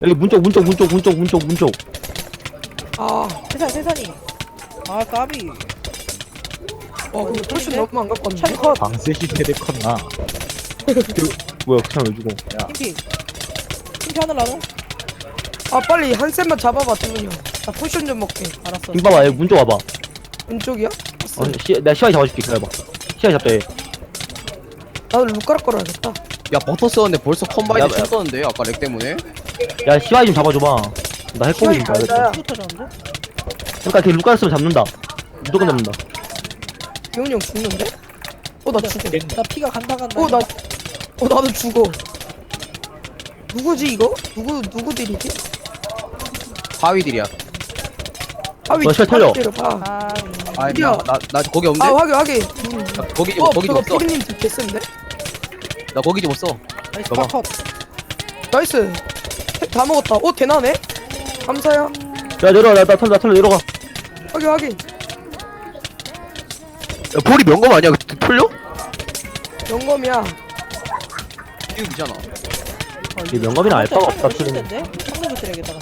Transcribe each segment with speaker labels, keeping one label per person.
Speaker 1: 여기 문쪽.
Speaker 2: 아,
Speaker 3: 세산이. 아, 까비.
Speaker 2: 와, 근데 훨씬 너무 안 갖고 왔네.
Speaker 3: 샷 컷.
Speaker 4: 방세시 세대 컸나?
Speaker 1: 뭐야 그냥 왜 죽어?
Speaker 3: 팀피. 팀피 하늘라도?
Speaker 2: 아, 빨리 한 셋만 잡아봐, 태훈이 형. 나 포션 좀 먹게.
Speaker 3: 알았어.
Speaker 1: 빙 봐봐, 여기 문쪽 와봐.
Speaker 2: 왼쪽이야?
Speaker 1: 내가 시야이 잡아줄게. 기다려봐. 시야이 잡자 얘.
Speaker 2: 나도 루카락 걸어야겠다.
Speaker 5: 야 버터 썼는데 벌써
Speaker 1: 야,
Speaker 5: 컴바인드
Speaker 1: 야.
Speaker 5: 쳤었는데 아까 렉 때문에.
Speaker 1: 야 시야이 좀 잡아줘봐. 나 핵공이 좀
Speaker 2: 시야이
Speaker 1: 봐야겠다.
Speaker 2: 맞아요.
Speaker 3: 슈터 졌는데?
Speaker 1: 그러니까 걔 루카스 쓰면 잡는다. 무조건 잡는다.
Speaker 2: 태훈이 형 죽는데? 나 죽어.
Speaker 3: 나 피가 간다.
Speaker 2: 나도 죽어. 누구지, 이거? 누구 딜이지?
Speaker 5: 바위들이야.
Speaker 2: 아, 왜
Speaker 1: 너 시야 털려.
Speaker 2: 때려봐.
Speaker 3: 아,
Speaker 5: 아
Speaker 2: 어디야?
Speaker 5: 나 거기 없는데?
Speaker 2: 아, 확인.
Speaker 5: 나 거기 좀 거기 좀
Speaker 2: 저거
Speaker 5: 없어.
Speaker 2: 피디님 딜 개센데?
Speaker 5: 나 거기 좀 없어.
Speaker 3: 나이스
Speaker 5: 봐봐.
Speaker 3: 컷.
Speaker 2: 나이스. 다 먹었다. 대나네? 감사해요.
Speaker 1: 야 내려와, 나 털려 내려가.
Speaker 2: 확인.
Speaker 5: 야 볼이 명검 아니야? 풀려?
Speaker 2: 영검이야.
Speaker 5: 이거 되잖아.
Speaker 1: 이 명감이랑 알바가 없다.
Speaker 3: 틀리는 데 상대로 드려야겠다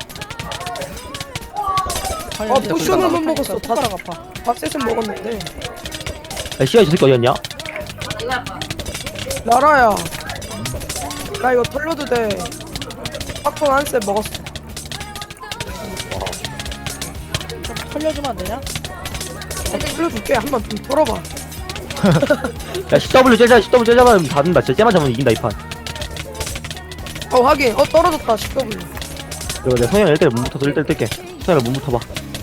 Speaker 3: 그냥.
Speaker 2: 포션을 못 먹었어. 다
Speaker 3: 손가락 아파.
Speaker 2: 밥셋은 먹었는데.
Speaker 1: 야 시야이 저 새끼 어디였냐?
Speaker 2: 나라야. 나 이거 털려도 돼. 팝콘 한 셋 먹었어.
Speaker 3: 좀 털려주면 안 되냐?
Speaker 2: 털려줄게. 한번 좀 털어봐.
Speaker 1: 야 CW 째자면 닫는다. 진짜 째만 잡으면 이긴다 이 판.
Speaker 2: 확인. 떨어졌다. 10W.
Speaker 1: 그리고 내가 성현이 1대1 문부터 1대1 뜰게. 성현이 문부터 봐.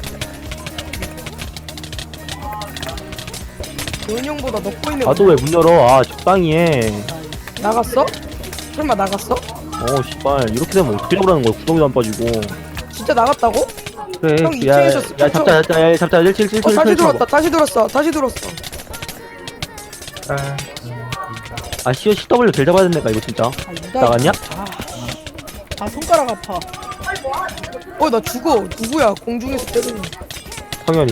Speaker 2: 도현 형보다 넣고 있는
Speaker 1: 나도 왜 문 열어? 아 적당히 해.
Speaker 2: 나갔어? 설마 나갔어?
Speaker 1: 씨발 이렇게 되면 어떻게 잡으라는 거야? 구덩이도 안 빠지고.
Speaker 2: 진짜 나갔다고?
Speaker 1: 그래.
Speaker 2: 형
Speaker 1: 야
Speaker 2: 2층에서
Speaker 1: 잡자 177.
Speaker 2: 다시 들어왔다. 다시 들어왔어.
Speaker 1: 아 CW 될 잡아야 된다니까 이거 진짜.
Speaker 3: 아, 유다.
Speaker 1: 나갔냐?
Speaker 3: 아, 손가락 아파.
Speaker 2: 나 죽어. 누구야? 공중에서 때리는.
Speaker 1: 성현이.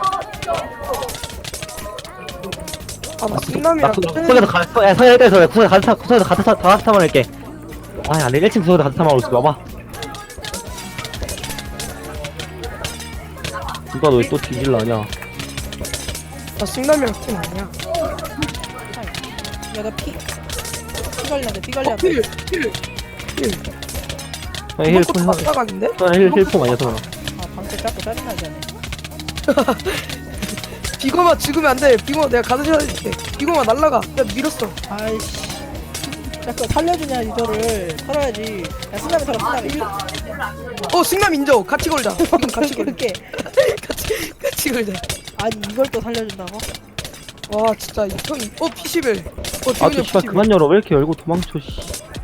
Speaker 2: 나 승남이랑
Speaker 1: 구석에서 성현이 1대에서 구석에서 가스 타만 할게. 아 안돼 1층 구석에서 가스 타만 하고 있어. 와봐. 누가 너 또 뒤질라 하냐?
Speaker 2: 나 승남이랑 팀 아니야.
Speaker 3: 야, 나 피 관리한데, 피 관리한데.
Speaker 2: 필.
Speaker 1: 성현이 힐
Speaker 2: 이것도 마사각인데?
Speaker 1: 성현이 힐폼 아니야 성현아.
Speaker 3: 아, 방패 잡고 짜증나지 않네.
Speaker 2: 비거마 죽으면 안 돼. 비거마 내가 가서 찾아줄게. 비거마 날라가. 내가 밀었어.
Speaker 3: 아이씨. 자꾸 살려주냐, 이거를. 털어야지. 야, 승남이 털어, 승남이.
Speaker 2: 승남 인정. 같이 걸자. 지금 같이 걸자.
Speaker 3: 그렇게.
Speaker 2: 같이 걸자.
Speaker 3: 아니, 이걸 또 살려준다고?
Speaker 2: 와 진짜 형. P11.
Speaker 1: 아또 씨발 그만 열어. 왜 이렇게 열고 도망쳐 씨.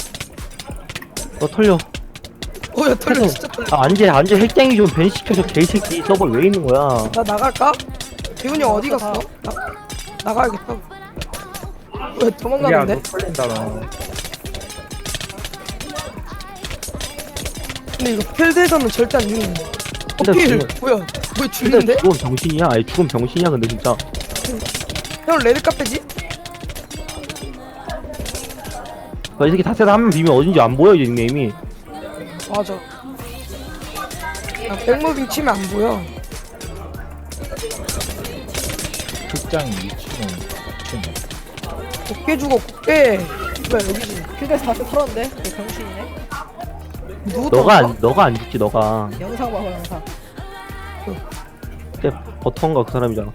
Speaker 1: 너 털려.
Speaker 2: 야 털려 진짜 털려.
Speaker 1: 안재 핵쟁이 좀 벤시켜줘 개새끼. 서버 왜 있는 거야?
Speaker 2: 나 나갈까? 대훈이 형 어디 갔어? 나가야겠다. 왜 도망가는데?
Speaker 4: 털린다 너.
Speaker 2: 근데 이거 필드에서는 절대 안 죽는.
Speaker 1: 근데
Speaker 2: 필
Speaker 1: 죽는-
Speaker 2: 뭐야? 왜
Speaker 1: 근데
Speaker 2: 죽는데?
Speaker 1: 죽음 병신이야. 아니 죽음 병신이야 근데 진짜.
Speaker 2: 형 레드 카페지?
Speaker 1: 이 새끼 다세다 한명 비면 어딘지 안 보여 이제 닉네임이.
Speaker 2: 맞아. 백무빙 치면 안 보여.
Speaker 4: 극장 2층은
Speaker 2: 곱게 죽어 곱게. 뭐야 여기지?
Speaker 3: 필드에서 다시 털었는데? 그 병신이네?
Speaker 2: 누구
Speaker 1: 너가 안 죽지 너가.
Speaker 3: 영상 봐봐, 영상.
Speaker 1: 그때 버터인가 그 사람이잖아.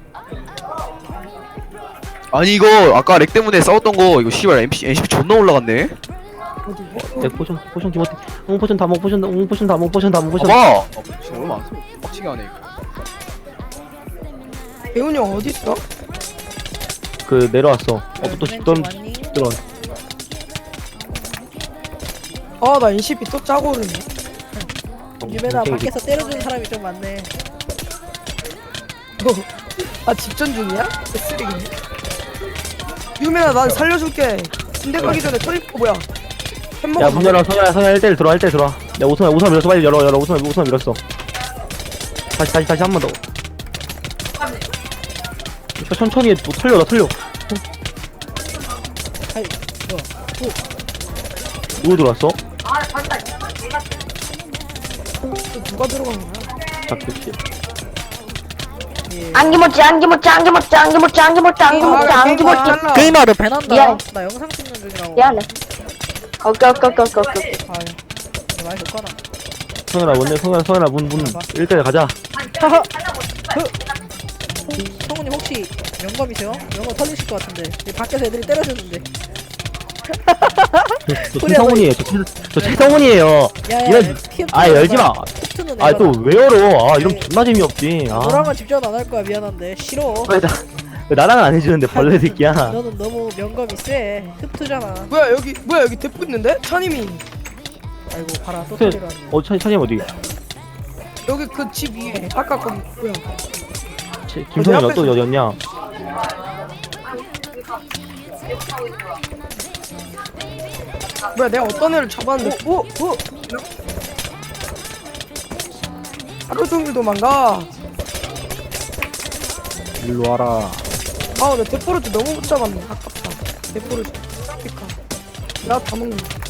Speaker 5: 아니 이거 아까 렉 때문에 싸웠던 거 이거 씨발 NCP 존나 올라갔네.
Speaker 2: 어디?
Speaker 1: 내 포션 김어태. 포션 다 먹. 포션 다 먹.
Speaker 5: 봐봐. 지금 얼마 안 써. 빡치게 하네 이거.
Speaker 2: 배훈이 형 어디 있어?
Speaker 1: 그 내려왔어. 또 집던
Speaker 3: 왔니?
Speaker 1: 들어.
Speaker 2: 나 NCP 또 짜고 오르네.
Speaker 3: 유배나 밖에서 때려주는 사람이 좀 많네.
Speaker 2: 집전 중이야? 쓰레기네. 유메나 난 살려줄게. 군대 가기 전에 터입고 뭐야? 햄버거.
Speaker 1: 야문 열어. 성현아 1대1 들어와. 1대1 들어와. 야 오선 밀었어. 빨리 열어. 오선 밀었어. 다시 한 번 더. 천천히 해. 또 털려.
Speaker 3: 아이, 뭐야.
Speaker 1: 누구 들어왔어?
Speaker 2: 또 누가 들어간 거야?
Speaker 1: 잡겠지.
Speaker 3: 예.
Speaker 6: 안기모찌 안기모찌 안기모찌 안기모찌 안기모찌 안기모찌 안기모찌
Speaker 3: 게임아 너 배난다.
Speaker 6: 미안해.
Speaker 3: 나 영상 찍는 중이라고.
Speaker 6: 미안해. 오케이.
Speaker 3: 아유. 너 많이 줬구나.
Speaker 1: 성현아 뭔데? 성현아 문 1대1 가자.
Speaker 3: 하하. 성우님 혹시 영검이세요? 영검 터지실 것 같은데. 이 밖에서 애들이 때려주는데.
Speaker 1: 저 최성훈이에요. 저 최성훈이에요.
Speaker 3: 야야.
Speaker 1: 이런 열지 마.
Speaker 3: 는
Speaker 1: 아 또 왜 열어? 아 이러면 존나 재미없지. 아.
Speaker 3: 너랑은 집전 안 할 거야. 미안한데 싫어.
Speaker 1: 왜 나랑은 안 해주는데 벌레 새끼야.
Speaker 3: 너는 너무 명검이 세. 흡투잖아.
Speaker 2: 뭐야 여기 대포 있는데? 찬님이
Speaker 3: 아이고 봐라 또
Speaker 1: 그,
Speaker 3: 터지러 왔네.
Speaker 1: 찬이 어디?
Speaker 2: 여기 그 집 위에 아까 거 뭐야?
Speaker 1: 김성현
Speaker 2: 앞에서.
Speaker 1: 또 어디였냐?
Speaker 2: 뭐야 내가 어떤 애를 잡았는데? 오. 하루 종일 도망가.
Speaker 4: 일로 와라.
Speaker 2: 아, 나 대포를 너무 못 잡았네. 아깝다. 대포를. 그니까. 나다 먹는.